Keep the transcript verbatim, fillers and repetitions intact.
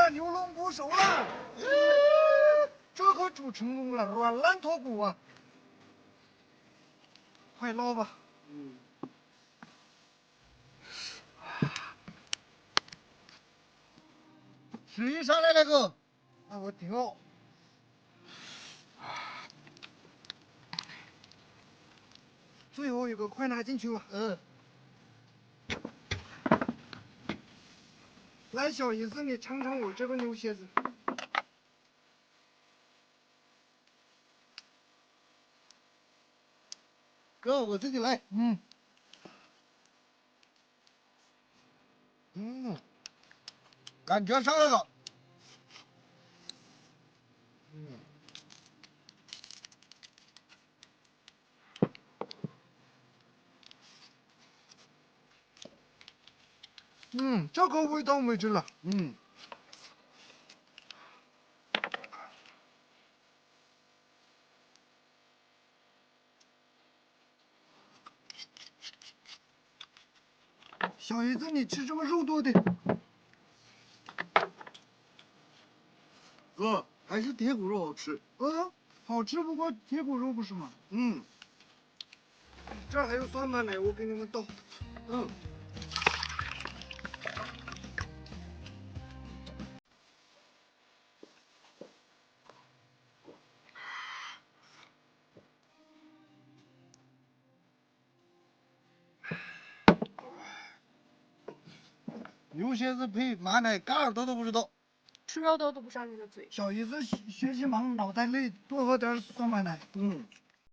了，牛龙不熟了。这可煮成功了，软烂脱骨啊！快捞吧。嗯。水上来了个，那我调。最后一个，快拿进去吧。嗯。来，小姨子，你尝尝我这个牛蝎子。哥，我自己来。嗯。嗯，感觉上来了。嗯。嗯，这个味道没劲了。嗯。小姨子，你吃这个肉多的。哥，还是铁骨肉好吃。嗯，好吃不过铁骨肉不是吗？嗯。这儿还有蒜瓣呢，我给你们倒。嗯。牛蝎子配马奶，嘎耳朵都不知道。 吃肉都堵不上你的嘴。 小姨子学习忙，脑袋累，多喝点蒜瓣奶。嗯。